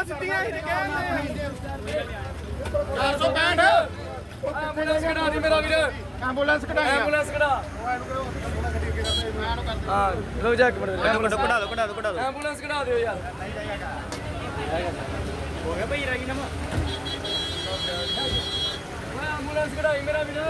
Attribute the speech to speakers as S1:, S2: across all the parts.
S1: ਸਿੱਧੀਆਂ ਹੀ ਕਹਿੰਦੇ
S2: 465
S3: ਐਂਬੂਲੈਂਸ ਕਢਾ ਦੀ ਮੇਰਾ ਵੀਰ
S2: ਐਂਬੂਲੈਂਸ ਕਢਾਈ
S3: ਐਂਬੂਲੈਂਸ ਕਢਾ ਹਾਂ ਲੋ ਜਾ ਇੱਕ ਮਿੰਟ ਐਂਬੂਲੈਂਸ
S4: ਕਢਾ ਦਿਓ
S3: ਐਂਬੂਲੈਂਸ ਕਢਾ ਦਿਓ ਯਾਰ ਹੋ ਗਿਆ ਭਾਈ ਰਾਗੀ ਨਮਾ ਓਏ ਐਂਬੂਲੈਂਸ ਕਢਾਈ ਮੇਰਾ ਵੀਰ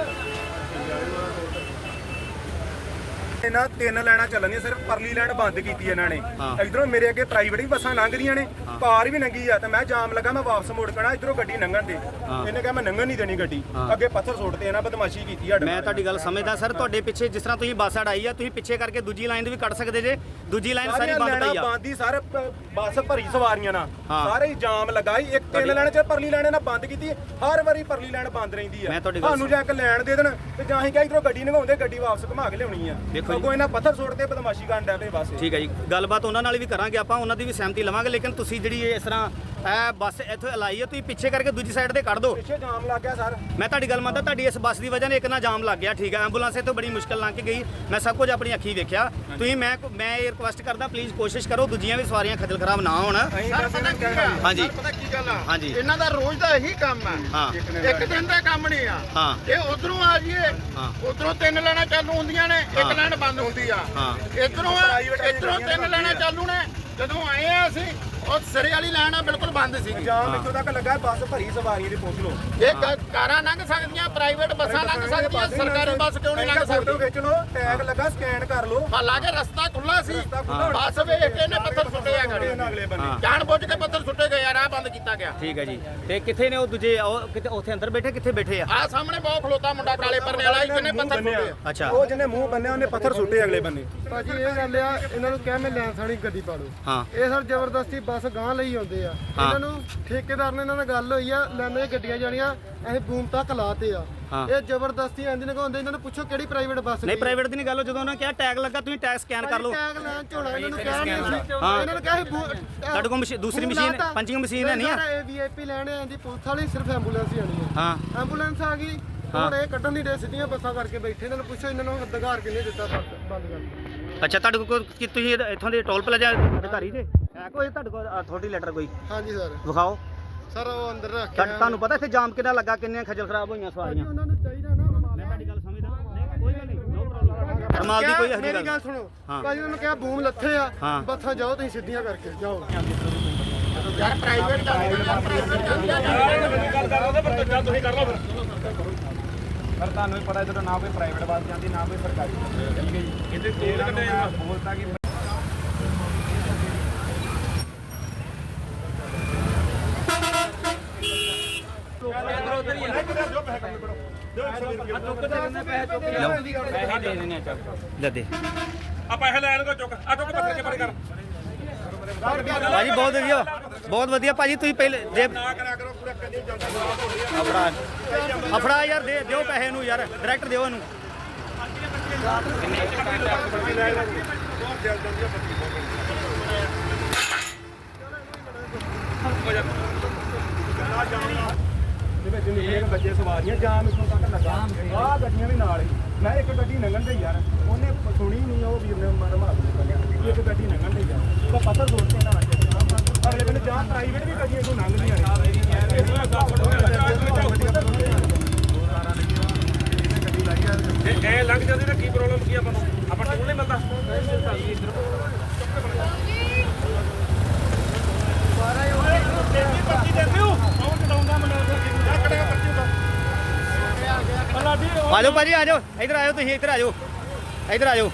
S1: ਇਹਨਾਂ 3 ਲਾਈਨਾਂ ਚੱਲਣੀਆਂ ਸਿਰਫ ਪਰਲੀ ਲਾਈਨ ਬੰਦ ਕੀਤੀ ਇਹਨਾਂ ਨੇ ਇਧਰੋਂ ਮੇਰੇ ਅੱਗੇ ਪ੍ਰਾਈਵੇਟ ਵੀ ਬੱਸਾਂ ਲੰਘਦੀਆਂ ਨੇ ਕਾਰ ਵੀ ਲੰਘੀ ਆ ਤੇ ਮੈਂ ਜਾਮ ਲੱਗਾ ਮੈਂ ਵਾਪਸ ਮੁੜ ਕਣਾ ਇਧਰੋਂ ਗੱਡੀ ਲੰਘਣ ਦੇ ਇਹਨੇ ਕਿਹਾ ਮੈਂ ਲੰਘਣ ਨਹੀਂ ਦੇਣੀ ਗੱਡੀ ਅੱਗੇ ਪੱਥਰ ਸੁੱਟਦੇ ਇਹਨਾਂ ਬਦਮਾਸ਼ੀ ਕੀਤੀ ਸਾਡੇ
S4: ਮੈਂ ਤੁਹਾਡੀ ਗੱਲ ਸਮਝਦਾ ਸਰ ਤੁਹਾਡੇ ਪਿੱਛੇ ਜਿਸ ਤਰ੍ਹਾਂ ਤੁਸੀਂ ਬੱਸ ਅੜਾਈ ਆ ਤੁਸੀਂ ਪਿੱਛੇ ਕਰਕੇ ਦੂਜੀ ਲਾਈਨ ਵੀ ਕੱਢ ਸਕਦੇ ਜੇ ਦੂਜੀ ਲਾਈਨ ਸਾਰੀ ਬੰਦ ਪਈ ਆ
S1: ਬੰਦੀ ਸਾਰੇ ਬੱਸ ਭਰੀ ਸਵਾਰੀਆਂ ਨਾਲ ਸਾਰੇ ਹੀ ਜਾਮ ਲਗਾਈ ਇੱਕ 3 ਲਾਈਨ ਚ ਪਰਲੀ ਲਾਈਨ ਇਹਨਾਂ ਬੰਦ ਕੀਤੀ ਹਰ ਵਾਰੀ ਪਰਲੀ ਲਾਈਨ ਬੰਦ ਰਹਿੰਦੀ ਆ ਤੁਹਾਨੂੰ ਜਾਂ ਇੱਕ ਲੈਣ ਦੇ ਦੇਣ ਤੇ ਜਾਂ ਹੀ ਕਹਾਂ ਇਧਰੋਂ ਗੱਡੀ ਲੰਘਾਉਂਦੇ ਗੱਡੀ ਵਾਪਸ ਘੁਮਾ ਕੇ ਲਿਆਉਣੀ ਆ ਅੱਗੋਂ ਇਹਨਾਂ ਪੱਥਰ ਸੁੱਟਦੇ ਬਦਮਾਸ਼ੀ ਕਰਨ ਡੈ ਪਏ ਬਸ
S4: ਠੀਕ ਹੈ ਜੀ ਗੱਲਬਾਤ ਉਹਨਾਂ ਨਾਲ ਵੀ ਕਰਾਂਗੇ ਆਪਾਂ ਉਹਨਾਂ ਦੀ ਵੀ ਸਹਿਮਤੀ ਲਵਾਂਗੇ ਲੇਕਿਨ ਤੁਸੀਂ ਜਿਹੜੀ ਇਸ ਤਰ੍ਹਾਂ ਇਹ ਬੱਸ ਇੱਥੇ ਲਾਈ ਹੈ ਤੁਸੀਂ ਪਿੱਛੇ ਕਰਕੇ ਦੂਜੀ ਸਾਈਡ ਤੇ ਕੱਢ ਦਿਓ
S1: ਪਿੱਛੇ ਜਾਮ ਲੱਗ ਗਿਆ ਸਰ
S4: ਮੈਂ ਤੁਹਾਡੀ ਗੱਲ ਮੰਨਦਾ ਤੁਹਾਡੀ ਇਸ ਬੱਸ ਦੀ ਵਜ੍ਹਾ ਨਾਲ ਇੱਕ ਨਾ ਜਾਮ ਲੱਗ ਗਿਆ ਠੀਕ ਹੈ ਐਂਬੂਲੈਂਸ ਇੱਥੋਂ ਬੜੀ ਮੁਸ਼ਕਲ ਲੰਘ ਕੇ ਗਈ ਮੈਂ ਸਭ ਕੁਝ ਆਪਣੀ ਅੱਖੀਂ ਵੇਖਿਆ ਤੁਸੀਂ ਮੈਂ ਇਹ ਰਿਕੁਐਸਟ ਕਰਦਾ ਪਲੀਜ਼ ਕੋਸ਼ਿਸ਼ ਕਰੋ ਦੂਜੀਆਂ ਵੀ ਸਵਾਰੀਆਂ ਖੱਜਲ ਖਰਾਬ ਨਾ ਹੋਣ ਹਾਂਜੀ
S2: ਪਤਾ ਕੀ ਗੱਲ ਆ
S4: ਹਾਂਜੀ
S2: ਇਹਨਾਂ ਦਾ ਰੋਜ਼ ਦਾ ਇਹੀ ਕੰਮ ਆ
S4: ਹਾਂ
S2: ਇੱਕ ਦਿਨ ਦਾ ਕੰਮ ਨਹੀਂ ਆ
S4: ਹਾਂ
S2: ਇਹ ਉਧਰੋਂ ਆ ਜੀਏ ਉਧਰੋਂ 3 ਲਾਈਨਾਂ ਚਾਲੂ ਹੁੰਦੀਆਂ ਨੇ ਇੱਕ ਲਾਈਨ ਬੰਦ ਹੁੰਦੀ ਆ ਇਧਰੋਂ 3 ਲਾਈਨਾਂ ਚਾਲੂ ਨੇ ਜਦੋਂ ਆਏ ਆ ਅਸੀਂ ਉਹ ਸਿਰੇ ਵਾਲੀ ਲਾਈਨ ਆ ਬਿਲਕੁਲ ਬੰਦ ਸੀ
S1: ਜਾਮ ਇੱਥੋਂ ਤੱਕ ਲੱਗਾ ਬੱਸ ਭਰੀ ਸਵਾਰੀਆਂ ਦੀ ਪੁੱਛ ਲਓ
S2: ਇਹ ਕਾਰਾਂ ਲੰਘ ਸਕਦੀਆਂ ਪ੍ਰਾਈਵੇਟ ਬੱਸਾਂ ਲੰਘ ਸਕਦੀਆਂ ਸਰਕਾਰੀ ਬੱਸ ਕਿਉਂ ਨਹੀਂ ਲੰਘ
S1: ਫੋਟੋ
S2: ਸਕਦੀ
S1: ਖਿੱਚ ਲਓ ਟੈਗ ਲੱਗਾ ਸਕੈਨ ਕਰ ਲਓ
S2: ਹਾਲਾਂਕਿ ਰਸਤਾ ਖੁੱਲਾ ਸੀ ਬੱਸ ਵੇਖ ਕੇ ਇਹਨੇ ਪੱਥਰ ਸੁੱਟੇ ਆ ਗਾੜੀ
S1: ਅਗਲੇ ਬੰਨੇ
S2: ਜਾਣ ਬੁੱਝ ਕੇ ਪੱਥਰ ਸੁੱਟੇ ਗਏ ਆ ਰਾਹ ਬੰਦ ਕੀਤਾ ਗਿਆ
S4: ਠੀਕ ਹੈ ਜੀ ਤੇ ਕਿੱਥੇ ਨੇ ਉਹ ਦੂਜੇ ਉਹ ਕਿਤੇ ਉੱਥੇ ਅੰਦਰ ਬੈਠੇ ਕਿੱਥੇ ਬੈਠੇ ਆ
S2: ਆ ਸਾਹਮਣੇ ਬਹੁਤ ਖਲੋਤਾ ਮੁੰਡਾ ਕਾਲੇ ਪਰਨੇ ਵਾਲਾ ਜਿਹਨੇ ਪੱਥਰ ਸੁੱਟੇ
S4: ਅੱਛਾ
S1: ਉਹ ਜਿਹਨੇ ਮੂੰਹ ਬੰਨਿਆ ਉਹਨੇ ਪੱਥਰ ਸੁੱਟੇ ਅਗਲੇ ਬੰਨੇ
S5: ਭਾਜੀ ਇਹ ਗੱਲ ਆ ਇਹਨਾਂ ਨੂੰ ਕਹਿ ਮੈਂ ਲੈਂਸ ਵਾਲੀ ਗੱਡੀ ਪਾ ਲਓ
S4: ਹਾਂ
S5: ਇਹ ਸਰ ਜ਼ਬਰਦਸਤੀ ਬੱਸ ਗਾਂ ਲਈ ਆਉਂਦੇ ਆ ਇਹਨਾਂ ਨੂੰ ਠੇਕੇਦਾਰ ਨੇ ਇਹਨਾਂ ਨਾਲ ਗੱਲ ਹੋਈ ਆ ਲੈਣੇ ਗੱਡੀਆਂ ਜਾਣੀਆਂ ਅਸੀਂ ਬੂਮ ਤੱਕ ਲਾਤੇ ਆ ਇਹ ਜ਼ਬਰਦਸਤੀ ਇੰਜ ਨਗਾਉਂਦੇ ਇਹਨਾਂ ਨੂੰ ਪੁੱਛੋ ਕਿਹੜੀ ਪ੍ਰਾਈਵੇਟ ਬੱਸ
S4: ਨਹੀਂ ਪ੍ਰਾਈਵੇਟ ਦੀ ਨਹੀਂ ਗੱਲ ਜਦੋਂ ਉਹਨਾਂ ਕਿਹਾ ਟੈਗ ਲੱਗਾ ਤੁਸੀਂ ਟੈਗ ਸਕੈਨ ਕਰ ਲਓ
S5: ਟੈਗ ਲੈਣ ਝੋਲਾ ਇਹਨਾਂ ਨੂੰ ਕਹਿ ਨਹੀਂ ਸੀ ਇਹਨਾਂ ਨੂੰ ਕਿਹਾ
S4: ਤੁਹਾਡੇ ਕੋਲ ਦੂਸਰੀ ਮਸ਼ੀਨ ਪੰਚਿੰਗ ਮਸ਼ੀਨ ਹੈ ਨਹੀਂ ਆ
S5: ਇਹ ਵੀਆਈਪੀ ਲੈਣੇ ਆਂਦੀ ਪੁਲਿਸ ਵਾਲੀ ਸਿਰਫ ਐਂਬੂਲੈਂਸ ਹੀ ਆਣੀ ਆ
S4: ਹਾਂ
S5: ਐਂਬੂਲੈਂਸ ਆ ਗਈ ਹੁਣ ਇਹ ਕੱਢਣ ਦੀ ਡੇ ਸਿੱਧੀਆਂ ਬੱਸਾਂ ਕਰਕੇ ਬੈਠੇ ਇਹਨਾਂ ਨੂੰ ਪੁੱਛੋ ਇਹਨਾਂ ਨੂੰ ਅਧਿਕਾਰ ਕਿੰਨੇ ਦਿੱਤਾ ਬੰਦ ਕਰ
S4: ਅੱਛਾ ਤੁਹਾਡੇ ਕੋਲ ਕੀ ਤੁਸੀਂ ਇੱਥੋਂ ਦੇ ਟੋਲ ਪਲਾਜ਼ਾ ਅਧਿਕਾਰੀ ਜੇ ਹੈ ਕੋਈ ਤੁਹਾਡੇ ਕੋਲ ਅਥਾਰਟੀ ਲੈਟਰ ਕੋਈ
S5: ਹਾਂਜੀ ਸਰ
S4: ਵਿਖਾਓ
S5: ਸਰ ਉਹ ਅੰਦਰ ਰੱਖਿਆ
S4: ਤੁਹਾਨੂੰ ਪਤਾ ਇੱਥੇ ਜਾਮ ਕਿੰਨਾ ਲੱਗਾ ਕਿੰਨੀਆਂ ਖੱਜਲ ਖਰਾਬ ਹੋਈਆਂ ਸਵਾਰੀਆਂ
S5: ਉਹਨਾਂ ਨੂੰ ਚਾਹੀਦਾ ਨਾ
S4: ਮੈਂ ਤੁਹਾਡੀ ਗੱਲ ਸਮਝਦਾ ਨਹੀਂ ਕੋਈ ਗੱਲ ਨਹੀਂ ਨੋ ਪ੍ਰੋਬਲਮ ਕਮਾਲ ਦੀ ਕੋਈ ਇਹੋ ਜਿਹੀ
S5: ਮੇਰੀ ਗੱਲ ਸੁਣੋ ਭਾਜੀ ਉਹਨਾਂ ਨੂੰ ਕਿਹਾ ਬੂਮ ਲੱਥੇ ਆ ਬੱਸਾਂ ਜਾਓ ਤੁਸੀਂ ਸਿੱਧੀਆਂ ਕਰਕੇ ਜਾਓ
S2: ਯਾਰ ਪ੍ਰਾਈਵੇਟ
S1: ਗੱਲ ਕਰ ਉਹਦੇ ਪਰ ਚੱਲ ਤੁਸੀਂ ਕਰ ਲਓ ਫਿਰ ਤੁਹਾਨੂੰ ਵੀ ਪਤਾ ਜਦੋਂ ਨਾ ਕੋਈ ਪ੍ਰਾਈਵੇਟ ਬੱਸ ਜਾਂਦੀ ਨਾ ਕੋਈ ਸਰਕਾਰੀ ਠੀਕ ਹੈ ਜੀ ਇਹਦੇ ਤੇਲ ਕੱਢੇ ਬੋਲਤਾ ਕਿ
S4: ਦੇ
S1: ਆ ਪੈਸੇ ਲੈਣ ਕੋ ਚੁੱਕ ਆ ਚੁੱਕ ਪੱਥਰ ਕੇ ਪਰੇ ਕਰ
S4: ਭਾਜੀ ਬਹੁਤ ਵਧੀਆ ਭਾਜੀ ਤੁਸੀਂ ਪਹਿਲੇ ਜੇ
S1: ਨਾ ਕਰਿਆ ਕਰੋ ਪੂਰਾ ਕਦੀ ਜਲਦੀ
S4: ਅਫੜਾ ਯਾਰ ਦਿਓ ਪੈਸੇ ਨੂੰ ਯਾਰ ਡਾਇਰੈਕਟ ਦਿਓ ਇਹਨੂੰ
S1: ਜਿਵੇਂ ਬੱਚੇ ਸਵਾਰੀਆਂ ਜਾਮ ਇੱਥੋਂ ਤੱਕ ਲੱਗਾ ਆਹ ਗੱਡੀਆਂ ਵੀ ਨਾਲ ਹੀ ਮੈਂ ਇੱਕ ਗੱਡੀ ਲੰਘਣ ਦੇ ਯਾਰ ਉਹਨੇ ਸੁਣੀ ਨਹੀਂ ਉਹ ਵੀਰ ਨੇ ਮਨ ਮਾਰ ਦਿੱਤਾ ਇੱਕ ਗੱਡੀ ਲੰਘਣ ਦੇ ਯਾਰ ਉਹ ਪੱਥਰ ਸੁੱਟਦੇ ਨਾ ਅਗਲੇ ਬੰਦੇ ਜਾਂ ਪ੍ਰਾਈਵੇਟ ਵੀ ਗੱਡੀਆਂ ਤੋਂ ਲੰਘਦੀਆਂ ਨੇ ਇਹ ਲੰਘ ਜਾਂਦੀ ਤਾਂ ਕੀ ਪ੍ਰੋਬਲਮ ਕੀ ਆਪਾਂ ਨੂੰ ਆਪਾਂ ਟੋਲ ਨਹੀਂ ਮਿਲਦਾ
S4: ਆ ਜਾਓ ਭਾਜੀ ਆ ਜਾਓ ਇੱਧਰ ਆਇਓ ਤੁਸੀਂ ਇੱਧਰ ਆ ਜਾਓ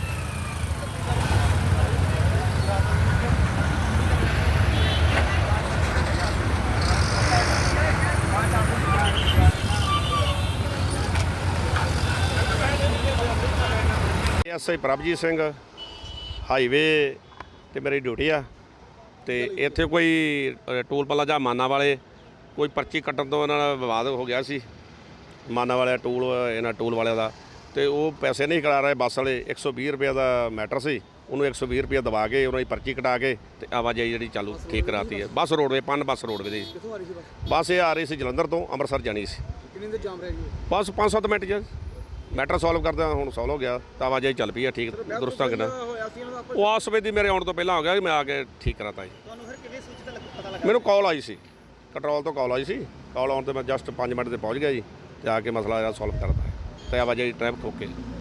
S6: ਐਸਆਈ ਪ੍ਰਭਜੀਤ ਸਿੰਘ ਹਾਈਵੇ ਤੇ ਮੇਰੀ ਡਿਊਟੀ ਆ ਤੇ ਇੱਥੇ ਕੋਈ ਟੋਲ ਪਲਾਜ਼ਾ ਮਾਨਾ ਵਾਲੇ ਕੋਈ ਪਰਚੀ ਕੱਟਣ ਤੋਂ ਇਹਨਾਂ ਨਾਲ ਵਿਵਾਦ ਹੋ ਗਿਆ ਸੀ ਮਾਨਾ ਵਾਲਿਆ ਟੂਲ ਇਹਨਾਂ ਟੂਲ ਵਾਲਿਆਂ ਦਾ ਤੇ ਉਹ ਪੈਸੇ ਨਹੀਂ ਕਰਾ ਰਹੇ ਬੱਸ ਵਾਲੇ 120 ਰੁਪਏ ਦਾ ਮੈਟਰ ਸੀ ਉਹਨੂੰ 120 ਰੁਪਏ ਦਵਾ ਕੇ ਉਹਨਾਂ ਦੀ ਪਰਚੀ ਕਟਾ ਕੇ ਤੇ ਆਵਾਜਾਈ ਜਿਹੜੀ ਚਾਲੂ ਠੀਕ ਕਰਾਤੀ ਹੈ ਬੱਸ ਰੋਡਵੇ ਬੱਸ ਰੋਡਵੇ ਦੀ ਬੱਸ ਇਹ ਆ ਰਹੀ ਸੀ ਜਲੰਧਰ ਤੋਂ ਅੰਮ੍ਰਿਤਸਰ ਜਾਣੀ ਸੀ
S5: ਕਿੰਨੇ ਦੇ ਜਾਮ ਰਹਿ ਗਈ
S6: ਬਸ 5-7 ਮਿੰਟ ਜੀ ਮੈਟਰ ਸੋਲਵ ਕਰਦਾ ਹੁਣ ਸੋਲਵ ਹੋ ਗਿਆ ਤਾਂ ਆਵਾਜਾਈ ਚੱਲ ਪਈ ਆ ਠੀਕ ਦਰੁਸਤ ਢੰਗ ਨਾਲ। ਉਹ ਆਸ ਵੇਦੀ ਮੇਰੇ ਆਉਣ ਤੋਂ ਪਹਿਲਾਂ ਹੋ ਗਿਆ ਕਿ ਮੈਂ ਆ ਕੇ ਠੀਕ ਕਰਾਤਾ ਜੀ।
S4: ਤੁਹਾਨੂੰ ਫਿਰ ਕਿਵੇਂ ਸੂਚਿਤ ਪਤਾ ਲੱਗਾ?
S6: ਮੈਨੂੰ ਕਾਲ ਆਈ ਸੀ, ਕੰਟਰੋਲ ਤੋਂ ਕਾਲ ਆਈ ਸੀ। ਕਾਲ ਆਉਣ ਤੇ ਮੈਂ ਜਸਟ 5 ਮਿੰਟ ਤੇ ਪਹੁੰਚ ਗਿਆ ਜੀ ਤੇ ਆ ਕੇ ਮਸਲਾ ਜਿਹੜਾ ਸੋਲਵ ਕਰਤਾ ਤੇ ਆਵਾਜਾਈ ਟ੍ਰੈਫਿਕ ਓਕੇ।